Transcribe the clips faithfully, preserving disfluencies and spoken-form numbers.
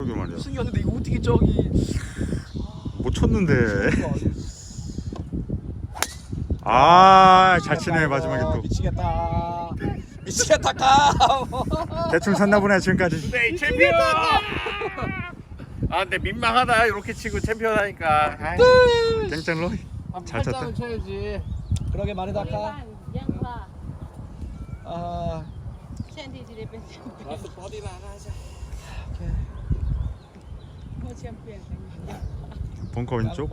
그러게 말이야. 승이었는데 이거 어떻게 저기 못 쳤는데. 아, 잘 치네 마지막에 또. 미치겠다. 미치겠다 까. 대충 샀나 보네 지금까지. 네, 챔피언! 아 근데 민망하다 이렇게 치고 챔피언 하니까. 땡짱로. 잘 쳤다. 팔짱은 쳐야지. 그러게 말이다 까. 아. 가서 버디나 하나 하자. 벙커 왼쪽.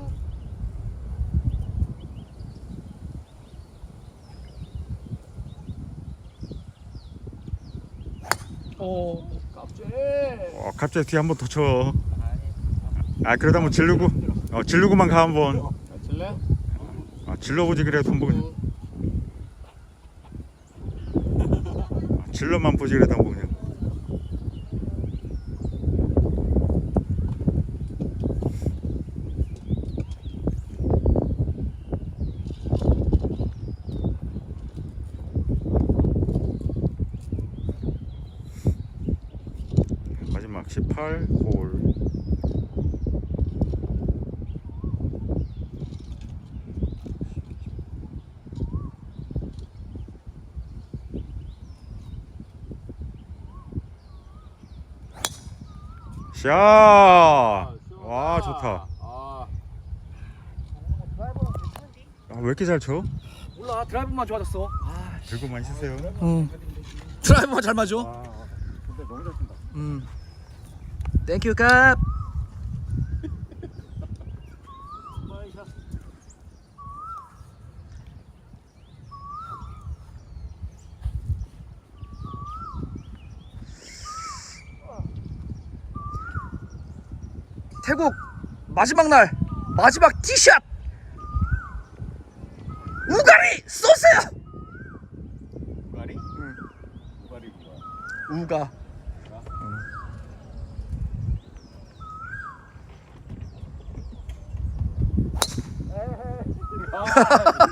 어, 깝지. 어, 갑자기 뒤에 한 번 더 쳐. 아 그러다 뭐 질르고. 어 질르고만 가 한번. 질래? 아 질러보지 그래 돈 보고. 아, 질러만 보지 그래 돈 보고 그냥. 마지막 십팔 홀. 샷! 와 좋다. 아, 아, 왜 이렇게 잘 쳐? 몰라 드라이브만 좋아졌어. 아, 들고만 있으세요. 응. 드라이브만 잘 맞아. 아, 근데 너무 잘 친다. 음. 땡큐 깝. 태국 마지막 날 마지막 티샷 우가리 쏘세요. 우가리? 응. 우가리 뭐야? 우가. 아,